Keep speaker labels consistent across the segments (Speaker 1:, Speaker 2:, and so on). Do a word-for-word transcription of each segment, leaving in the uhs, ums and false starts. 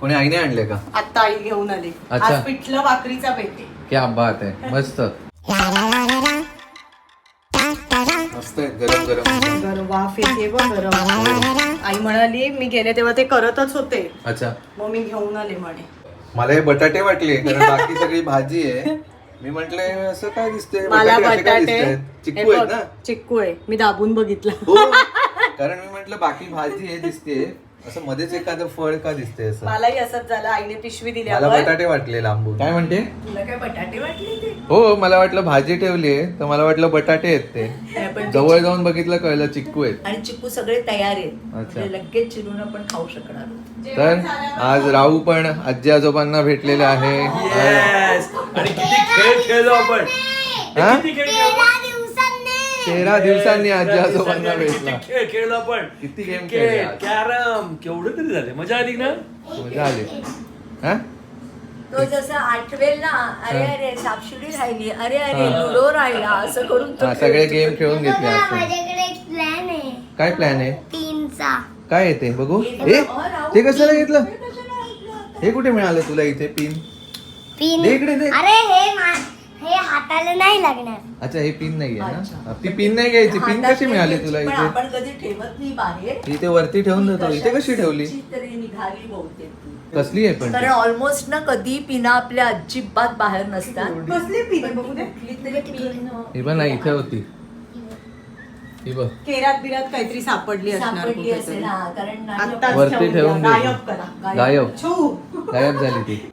Speaker 1: कोणी आईने आणले का?
Speaker 2: आता आई घेऊन आली. आज पिठलं भाकरीचा बेत आहे.
Speaker 1: क्या बात आहे, मस्त मस्त आहे, गरम गरम
Speaker 2: गरम वाफ येते बघ गरम. आई म्हणाली मी गेले तेव्हा ते करतच होते.
Speaker 1: अच्छा,
Speaker 2: मग मी घेऊन आले म्हणे.
Speaker 1: मला हे बटाटे वाटले कारण बाकी सगळी भाजी आहे. मी म्हंटले असं काय दिसतंय,
Speaker 2: मला
Speaker 1: बटाटे असे काय
Speaker 2: बटाटे
Speaker 1: दिसतायत?
Speaker 2: हे
Speaker 1: चिक्कू आहेत
Speaker 2: बघ,
Speaker 1: ना?
Speaker 2: चिक्कू आहे. मी दाबून बघितलं.
Speaker 1: हो, कारण मी म्हंटल बाकी भाजी हे दिसते, असं मध्येच एखादं फळ का दिसते असं.
Speaker 2: मलाही असंच झालं. आईने पिशवी दिली.
Speaker 1: मला बटाटे वाटले लांबून. काय म्हणते?
Speaker 2: तुला काय बटाटे वाटले ते?
Speaker 1: हो, मला वाटलं भाजी ठेवली आहे तर मला वाटलं बटाटे आहेत ते. जवळ जाऊन बघितलं कळलं चिक्कू आहेत.
Speaker 3: आणि चिक्कू सगळे तयार आहेत.
Speaker 1: अच्छा.
Speaker 3: म्हणजे लगेच चिरून आपण खाऊ शकणार आहोत.
Speaker 1: तर आज राहू पण आजी आजोबांना भेटलेले आहे.
Speaker 4: आणि किती खेळ खेळलो आपण.
Speaker 1: हा?
Speaker 4: किती खेळ खेळलो.
Speaker 1: तेरा दिवसांनी आजी आजोबांना
Speaker 4: किती
Speaker 1: भेटला.
Speaker 4: खेळ खेळलो आपण.
Speaker 1: किती गेम खेळले आज.
Speaker 4: कॅरम केवढं तरी झाले, मजा आली ना.
Speaker 1: मजा आली. हा?
Speaker 3: तो जसं आठवेल ना, अरे अरे सापशिडी राहिली, अरे अरे लुडो राहिला, असं करून तो
Speaker 1: हा, सगळे
Speaker 3: खेळतो.
Speaker 1: गेम खेळून घेतले आज.
Speaker 5: माझ्याकडे एक प्लॅन आहे
Speaker 1: काय प्लॅन आहे?
Speaker 5: तीनचा.
Speaker 1: काय येते बघू. ए ते कशाला घेतलं? हे कुठे मिळालं तुला इथे पिन?
Speaker 5: पिन.
Speaker 1: दे इकडे दे.
Speaker 5: अरे हे मा- हे हाताला नाही लागणार.
Speaker 1: अच्छा, हे पिन नाहीये ना. ती पिन नाही घ्यायची. पिन
Speaker 3: हातात
Speaker 1: कशी मिळाली
Speaker 3: नाही
Speaker 1: तुला
Speaker 3: घ्यायची, पण
Speaker 1: इथे?
Speaker 3: आपण कधी ठेवत नाही बाहेर.
Speaker 1: इथे वरती ठेवून देतो. इथे कशी ठेवली?
Speaker 3: तरी निघाली बहुतेक ती.
Speaker 1: कसली आहे पण
Speaker 3: कारण
Speaker 1: ती?
Speaker 3: ऑलमोस्ट ना कधी पिना आपल्या अजिबात बाहेर नसतात.
Speaker 2: कसली पिन बघू दे.
Speaker 3: कुठली तरी पिन
Speaker 1: ही पण नाही, इथे होती. ही बघ
Speaker 2: केरात बिरात काहीतरी सापडली असणार
Speaker 3: सापडली
Speaker 2: कुठेतरी.
Speaker 3: असेल हा, कारण
Speaker 2: आत्ताच
Speaker 3: नाही-
Speaker 1: वरती
Speaker 2: ठेवून
Speaker 1: ठेवून
Speaker 2: द्या.
Speaker 1: दे.
Speaker 2: गायब करा.
Speaker 1: गायब
Speaker 2: छू.
Speaker 1: गायब झाली ती.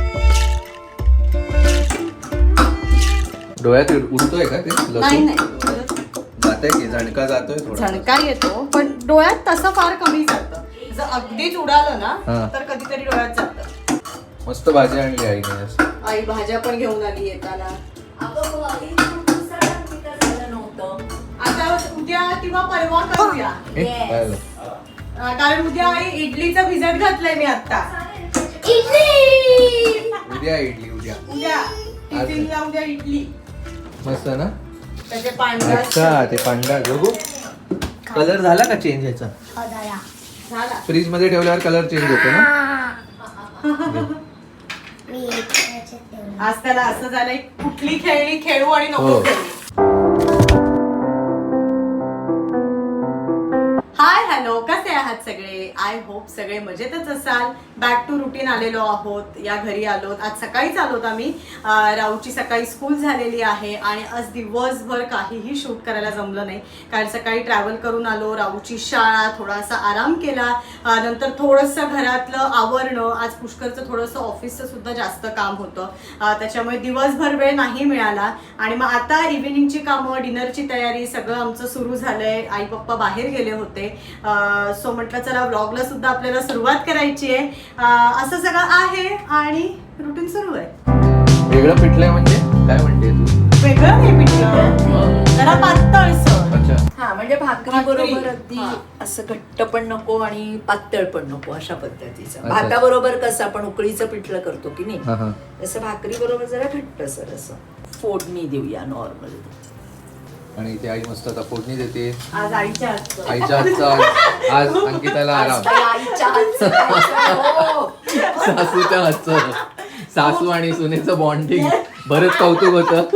Speaker 1: डोळ्यात उडतोय का ते
Speaker 2: नाही
Speaker 1: लसूण?
Speaker 2: नाही
Speaker 1: जातंय की झणका जातोय थोडा.
Speaker 2: झणकार येतो पण डोळ्यात तसं फार कमी जातं. जर अगदीच उडालं ना
Speaker 1: हा.
Speaker 2: तर कधीतरी डोळ्यात जातं.
Speaker 1: मस्त भाजी आणली आईने आज.
Speaker 2: आई भाज्या पण घेऊन आली येताना.
Speaker 3: अगं, आई, खूप दिवसाला तिथं झालं नव्हतं.
Speaker 2: आता उद्या किंवा परवा करूया.
Speaker 1: ए,
Speaker 3: Yes.
Speaker 1: काय आलं?
Speaker 2: अं, कारण उद्या आई इडलीचा भिजत घातलाय मी आता.
Speaker 5: इडली.
Speaker 1: उद्या इडली उद्या.
Speaker 2: उद्या टिफिनला उद्या इडली.
Speaker 1: मस्त ना.
Speaker 2: त्याचे पांढरा
Speaker 1: अच्छा, ते पांढरा बघू. कलर झाला का चेंज ह्याचा?
Speaker 5: हदाया.
Speaker 2: झाला.
Speaker 1: फ्रीज मध्ये ठेवल्यावर कलर चेंज होतो ना.
Speaker 5: मी एक ह्याच्यात ठेवलं.
Speaker 2: आज त्याला असं झालंय कुठली खेळणी खेळू आणि नको
Speaker 1: हो.
Speaker 2: खेळू. हाय हॅलो, कसे आहात सगळे? आय होप सगळे मजेतच असाल. बॅक टू रुटीन आलेलो आहोत. या घरी आलोत. आज सकाळीच आलोत आम्ही. अं, राऊची सकाळी स्कूल झालेली आहे आणि आज दिवसभर काहीही शूट करायला जमलं नाही कारण सकाळी ट्रॅव्हल करून आलो. राऊची शाळा, थोडासा आराम केला. अं, नंतर थोडंसं घरातलं आवरणं. आज पुष्करचं थोडंसं ऑफिसचं सुद्धा जास्त काम होतं. अं, त्याच्यामुळे दिवसभर वेळ नाही मिळाला आणि मग आता इव्हिनिंगची कामं, डिनरची तयारी सगळं आमचं सुरू झालंय. आई पप्पा बाहेर गेले होते. सो म्हटलं चला व्लॉगला सुद्धा आपल्याला सुरुवात करायची आहे. असं सगळं आहे आणि रुटीन सुरू आहे.
Speaker 1: वेगळं पिठलंय म्हणजे काय म्हणते तू?
Speaker 2: वेगळं नाही पिठलं, जरा पातळसर.
Speaker 1: अच्छा,
Speaker 3: हा, म्हणजे भाकरी
Speaker 2: भाकरी.
Speaker 3: बरोबर अगदी
Speaker 2: हा.
Speaker 3: असं घट्ट पण नको आणि पातळ पण नको अशा पद्धतीचं.
Speaker 1: अच्छा.
Speaker 3: भाताबरोबर कसं आपण उकळीचं पिठलं करतो की नाही,
Speaker 1: हा हा.
Speaker 3: तसं भाकरी बरोबर जरा घट्ट सर असं फोडणी देऊया नॉर्मल.
Speaker 1: आणि इथे आई मस्त आता फोडणी देते.
Speaker 2: आज आईच्या हातचं.
Speaker 1: आईच्या हातचा आज अंकिताला आराम.
Speaker 3: आईच्या हातचं खायचं, हो.
Speaker 1: सासूच्या हातचं. सासू आणि सुनेचं बॉन्डिंग बरंच कौतुक होतं.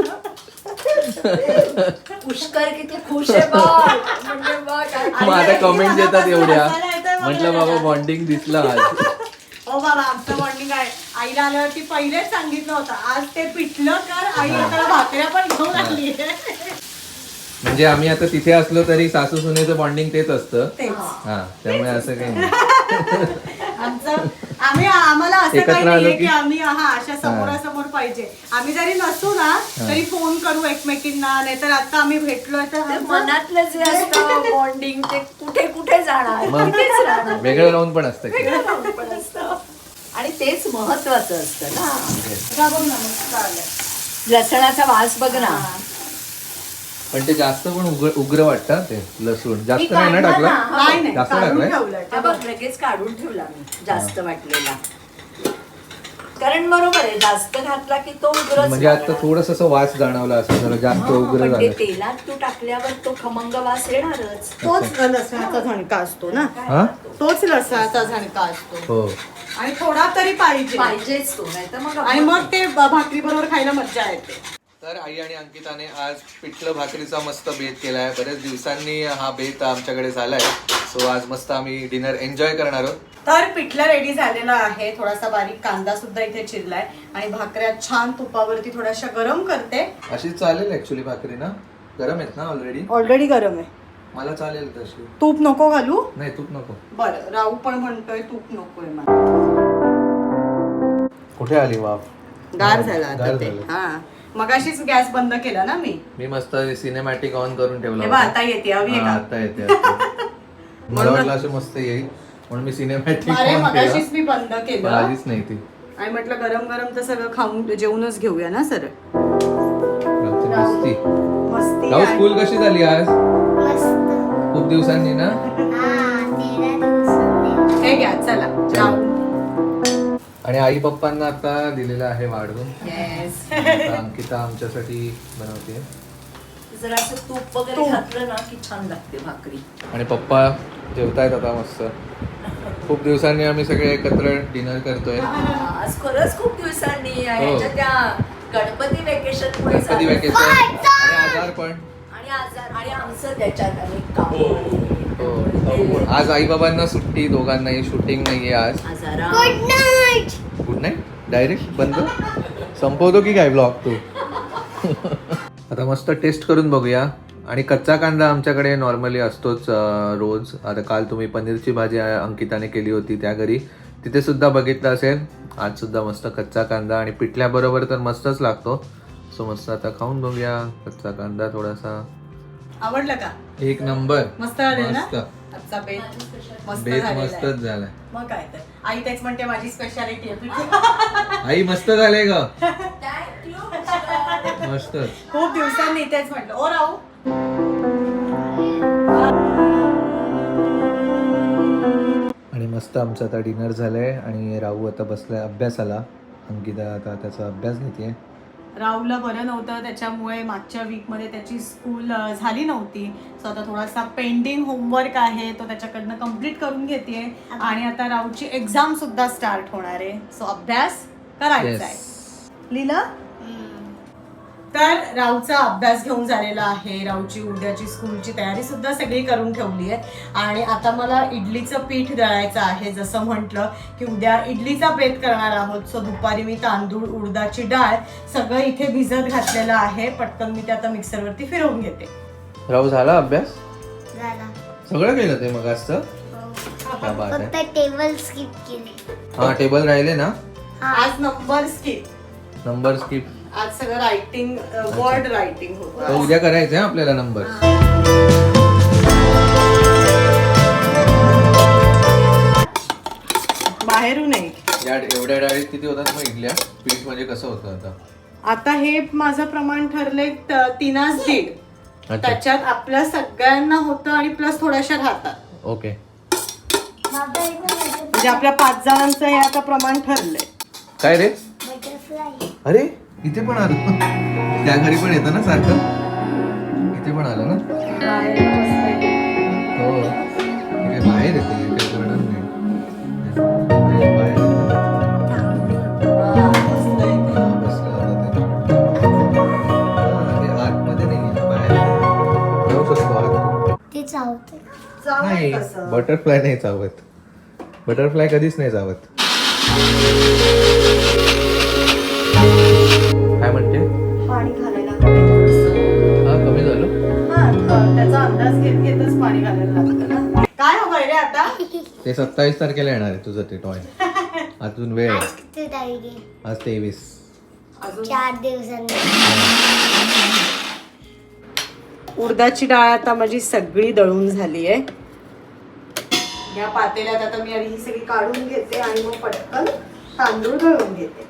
Speaker 3: पुष्कर किती खुश आहे बघ. म्हणजे बघ,
Speaker 1: मग आता कमेंट येतात एवढ्या.
Speaker 2: मसाला येतोय
Speaker 1: म्हटलं
Speaker 2: मला.
Speaker 1: बाबा बॉन्डिंग दिसलं आज.
Speaker 2: हो बाबा, आमचं बॉन्डिंग आहे. आईला आल्यावरती पहिलेच सांगितलं होतं आज ते पिठलं कर. आई आता भाकऱ्या पण घेऊन आली.
Speaker 1: म्हणजे आम्ही आता तिथे असलो तरी सासू सुनेचं बॉन्डिंग तेच असतं.
Speaker 2: तेच.
Speaker 1: हा, त्यामुळे असं काही नाही.
Speaker 2: आमचं आम्ही आम्हाला असं
Speaker 1: एकत्र
Speaker 2: काही
Speaker 1: आलो
Speaker 2: नाहीये
Speaker 1: की-
Speaker 2: की आम्ही हा अशा समोरासमोर पाहिजे. आम्ही जरी नसू ना तरी फोन करू एकमेकींना. नाहीतर आता आम्ही भेटलोय तर
Speaker 3: ते
Speaker 2: आमचं-
Speaker 3: मनातलं जे असतं बॉन्डिंग ते कुठे कुठे जाणार,
Speaker 1: मग
Speaker 3: तिथेच राहणार.
Speaker 1: वेगळं राहून पण असतं की.
Speaker 3: वेगळं राहून पण असतं. आणि तेच महत्वाचं असतं ना.
Speaker 2: हा, बघ ना, मस्त आलंय.
Speaker 3: लसणाचा वास बघ ना.
Speaker 1: पण ते जास्त पण उग्र उग्र वाटतं ते लसूण. जास्त
Speaker 3: मी
Speaker 1: नाही ना
Speaker 3: काढला
Speaker 1: टाकलं?
Speaker 3: ना.
Speaker 2: नाही नाही,
Speaker 1: जास्त
Speaker 2: काढून
Speaker 1: टाकलंय?
Speaker 2: ठेवलंय.
Speaker 3: हा बघ, लगेच काढून ठेवला मी जास्त वाटलेला. कारण बरोबर आहे जास्त घातला की तो उग्रच
Speaker 1: म्हणजे आता
Speaker 3: लागणार.
Speaker 1: थोडस असं वास जाणवला असं जरा जास्त
Speaker 3: हा,
Speaker 1: उग्र
Speaker 3: पण ते
Speaker 1: झालं.
Speaker 3: तेलात तू टाकल्यावर तो खमंग वास येणारच.
Speaker 2: तोच लसणाचा झणका असतो ना,
Speaker 1: हा
Speaker 2: तोच लसणाचा झणका असतो
Speaker 1: हो.
Speaker 2: आणि थोडा तरी पाहिजे
Speaker 3: पाहिजेच तो नाही तर मग
Speaker 2: आणि मग ते भाकरी बरोबर खायला मजा येते.
Speaker 1: तर आई आणि अंकिताने आज पिठलं भाकरीचा मस्त बेत केलाय. बऱ्याच दिवसांनी हा बेत आमच्याकडे झालाय. सो आज मस्त आम्ही डिनर एन्जॉय करणार आहोत.
Speaker 2: तर पिठलं रेडी झालेलं आहे. थोडासा बारीक कांदा सुद्धा इथे चिरलाय आणि भाकऱ्या छान तुपावरती थोड्याशा गरम करते.
Speaker 1: अशी चालेल ऍक्च्युली भाकरी ना, गरम आहेत ना ऑलरेडी.
Speaker 2: ऑलरेडी गरम आहे.
Speaker 1: मला चालेल तशी.
Speaker 2: तूप नको घालू?
Speaker 1: नाही तूप नको.
Speaker 2: बरं, राहू पण म्हणतोय तूप नकोय मला.
Speaker 1: कुठे आली वाफ?
Speaker 2: गार झाला आता
Speaker 1: गार
Speaker 2: ते.
Speaker 1: झालं.
Speaker 2: हा मगाशीच गॅस बंद केला ना मी.
Speaker 1: मी मस्त सिनेमॅटिक ऑन करून ठेवला
Speaker 2: हे बघ,
Speaker 1: होता.
Speaker 2: आता येते हवी आहे
Speaker 1: हा,
Speaker 2: का?
Speaker 1: आता येते आता. मला वाटलं असं मस्त येईल म्हणून मी सिनेमॅटिक
Speaker 2: अरे
Speaker 1: ऑन
Speaker 2: मगाशीच
Speaker 1: केला.
Speaker 2: मी बंद
Speaker 1: पण
Speaker 2: केलं
Speaker 1: आलीच नाही ती.
Speaker 2: आणि म्हटलं गरम गरम तर सगळं खाऊन जेवूनच घेऊया ना सर.
Speaker 1: राहूची मस्ती.
Speaker 2: मस्ती
Speaker 1: राहू
Speaker 2: आहे.
Speaker 1: स्कूल कशी झाली आज?
Speaker 5: मस्त.
Speaker 1: खूप दिवसांनी ना.
Speaker 5: हा तेरा दिवसांनी.
Speaker 2: हे घ्या चला राहू.
Speaker 1: आणि आई पप्पांना आता दिलेलं आहे वाढवून.
Speaker 2: येस.
Speaker 1: आता अंकिता आमच्यासाठी बनवते.
Speaker 3: जर असं तूप वगैरे
Speaker 2: तूप.
Speaker 3: घातलं ना की छान लागते भाकरी.
Speaker 1: आणि पप्पा जेवतायत आता मस्त. खूप दिवसांनी आम्ही सगळे एकत्र डिनर करतोय.
Speaker 3: हा, आज खरंच खूप दिवसांनी
Speaker 1: हो.
Speaker 3: ह्याच्या त्या गणपती वेकेशन मुळे
Speaker 1: गणपती
Speaker 3: झालं.
Speaker 1: वेकेशन आणि आजार पण.
Speaker 3: आणि आजार आणि आमचं त्याच्यात अनेक काम
Speaker 1: हो. हो. आज आई बाबांना सुट्टी, दोघांनाही शूटिंग नाहीये आज.
Speaker 3: आजारा
Speaker 5: good night.
Speaker 1: Good night. Direct बंद संपवतो की काय ब्लॉग तू? आता मस्त टेस्ट करून बघूया. आणि कच्चा कांदा आमच्याकडे नॉर्मली असतोच अं, रोज. आता काल तुम्ही पनीरची भाजी अंकिताने केली होती त्या घरी, तिथे सुद्धा बघितलं असेल. आज सुद्धा मस्त कच्चा कांदा आणि पिठल्याबरोबर तर मस्तच लागतो. सो मस्त आता खाऊन बघूया कच्चा कांदा थोडासा.
Speaker 2: आवडलं का?
Speaker 1: एक नंबर.
Speaker 2: मस्त झालं ना?
Speaker 1: मस्त.
Speaker 2: आजचा बेत मस्त
Speaker 1: बेत
Speaker 2: झालेला आहे.
Speaker 1: मस्तच झालाय.
Speaker 2: मग काय तर आई तेच म्हणते माझी स्पेशालिटी आहे.
Speaker 1: आई मस्त झालंय ग. मस्तच.
Speaker 2: खूप दिवसांनी तेच म्हटलं. ओ राहू
Speaker 1: आणि मस्त आमचं आता डिनर झालंय आणि राहू आता बसलाय अभ्यासाला. अंकिता आता त्याचा अभ्यास घेते.
Speaker 2: राहुलला बरं नव्हतं त्याच्यामुळे मागच्या वीकमध्ये त्याची स्कूल अ, झाली नव्हती. सो आता थोडासा पेंडिंग होमवर्क आहे तो त्याच्याकडनं कम्प्लीट करून घेते. आणि आता राहुलची एक्झाम सुद्धा स्टार्ट होणार आहे. सो अभ्यास करायचा आहे. लिहिलं? तर राऊचा अभ्यास घेऊन झालेला आहे. राऊची उद्याची स्कूलची तयारी सुद्धा सगळी करून ठेवली आहे. आणि आता मला इडलीचं पीठ दळायचं आहे. जसं म्हटलं की उद्या इडलीचा बेत करणार आहोत. सो दुपारी मी तांदूळ, उडदाची डाळ सगळं इथे भिजत घातलेलं आहे. पटकन मी ते आता मिक्सरवरती फिरवून घेते.
Speaker 1: राहू झाला अभ्यास?
Speaker 5: झाला.
Speaker 1: सगळं केलं ते मग असतं.
Speaker 5: हो.
Speaker 1: क्या बात आहे.
Speaker 5: फक्त टेबल स्किप केले.
Speaker 1: हा टेबल राहिले ना.
Speaker 2: आज नंबर स्किप.
Speaker 1: Number skip.
Speaker 2: आज सगळं रायटिंग वर्ड रायटिंग
Speaker 1: तर
Speaker 2: होतं.
Speaker 1: उद्या करायचं आहे आपल्याला नंबर.
Speaker 2: बाहेरून नाही.
Speaker 1: या एवढ्या डाळीत किती होतात मग इडल्या? पीठ म्हणजे कसं होतं आता?
Speaker 2: आता हे माझं प्रमाण ठरलंय त- तीनास दीड.
Speaker 1: अच्छा.
Speaker 2: त्याच्यात आपल्या सगळ्यांना होतं आणि प्लस थोड्याशा राहतात.
Speaker 1: ओके.
Speaker 5: बाबा इथं
Speaker 2: म्हणजे आपल्या पाच जणांचं हे आता प्रमाण ठरलंय.
Speaker 1: काय रे?
Speaker 5: बटरफ्लाय.
Speaker 1: अरे इथे पण आलं. त्या घरी पण येतं ना सारखं. इथे पण आलं ना. हो इथे बाहेर येते. इथे कळणार नाही. इथे बाहेर येतं. हा, बसलं आता ते. हा, ते आतमध्ये नाही गेलं, बाहेर येतं. जाऊ शकतो आत.
Speaker 5: ते चावते.
Speaker 1: नाही बटरफ्लाय नाही चावत. बटरफ्लाय कधीच नाही चावत. काय म्हणते?
Speaker 2: पाणी घालायला कमी थोडंसं.
Speaker 1: हा कमी झालं.
Speaker 2: हा, थ- त्याचा अंदाज घेत घेतच पाणी घालायला लागतं ना. काय हवंय रे आता?
Speaker 1: ते सत्तावीस तारखेला येणार आहे तुझं ते टॉय. अजून वेळ आहे.
Speaker 5: आज किती तारीख आहे?
Speaker 1: आज तेवीस.
Speaker 2: अजून
Speaker 5: चार दिवसांनी.
Speaker 2: उडदाची डाळ आता माझी सगळी दळून झाली आहे. या पातेल्यात आता मी आधी ही सगळी काढून घेते आणि मग पटकन तांदूळ दळून घेते.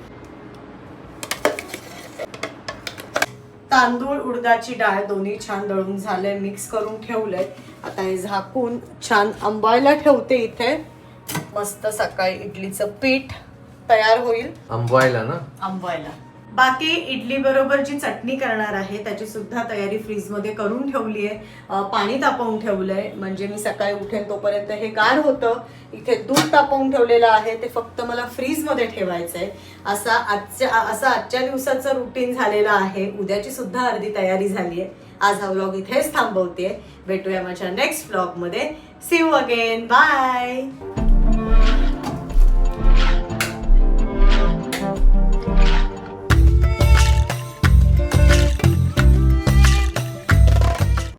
Speaker 2: तांदूळ, उडदाची डाळ दोन्ही छान दळून झालंय. मिक्स करून ठेवलंय. आता हे झाकून छान आंबायला ठेवते इथे. मस्त सकाळी इडलीचं पीठ तयार होईल
Speaker 1: आंबवायला ना.
Speaker 2: आंबवायला. बाकी इडली बरोबर जी चटणी करणार आहे त्याची सुद्धा तयारी फ्रीजमध्ये करून ठेवली आहे. अं, पाणी तापवून ठेवलंय म्हणजे मी सकाळी उठेन तोपर्यंत हे गार होतं. इथे दूध तापवून ठेवलेलं आहे ते फक्त मला फ्रीजमध्ये ठेवायचंय. असा आजच्या असं आजच्या दिवसाचं रुटीन झालेलं आहे. उद्याची सुद्धा अर्धी तयारी झाली आहे. आज हा व्लॉग इथेच थांबवते. भेटूया माझ्या नेक्स्ट व्लॉगमध्ये. See you again. बाय.